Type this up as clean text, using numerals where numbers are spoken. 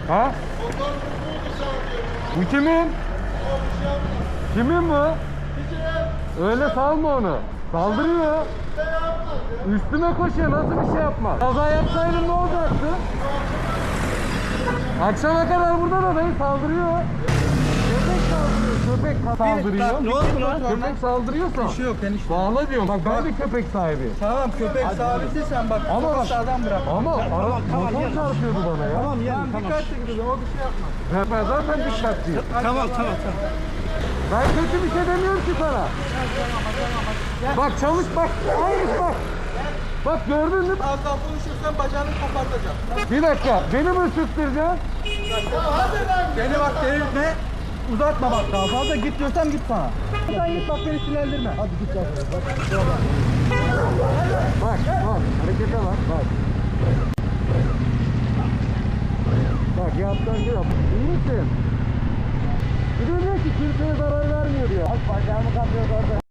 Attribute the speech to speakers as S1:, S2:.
S1: Ha? Bu kimin? Kimin bu? Öyle salma onu. Saldırıyor. Üstüme koşuyor, nasıl bir şey yapma. Kaza yapsaydın ne olacaktı? Akşama kadar burada da dayı saldırıyor. Köpek saldırıyor, köpek saldırıyor.
S2: Ne oldu lan?
S1: Köpek saldırıyorsa.
S2: Bir şey yok enişte.
S1: Bağla diyorum. Bak ben de köpek sahibi.
S2: Tamam köpek sahibi sen bak.
S1: Ama bak,
S2: Sağdan bırak.
S1: ama motor çarpıyordu bana ya.
S2: Tamam ya. Dikkatli gidiyor o bir şey yapmaz.
S1: Ben zaten dikkatliyim.
S2: Tamam.
S1: Ben kötü bir şey demiyorum ki sana. Bak çalış bak. Hayır bak. Bak gördün mü?
S2: Az daha konuşursan bacağını kopartacağım.
S1: Bir dakika. Beni mi ısıttıracaksın?
S2: Beni bak delirtme. Uzatma bak daha fazla git diyorsam git bana. Sen git bak beni sinirlendirme. Hadi git bak.
S1: Bak harekete bak. Bak yaptan yap. İyi misin? Bir de diyor ki kimseye zarar vermiyor diyor. Bak bacağımı kapıyor orada.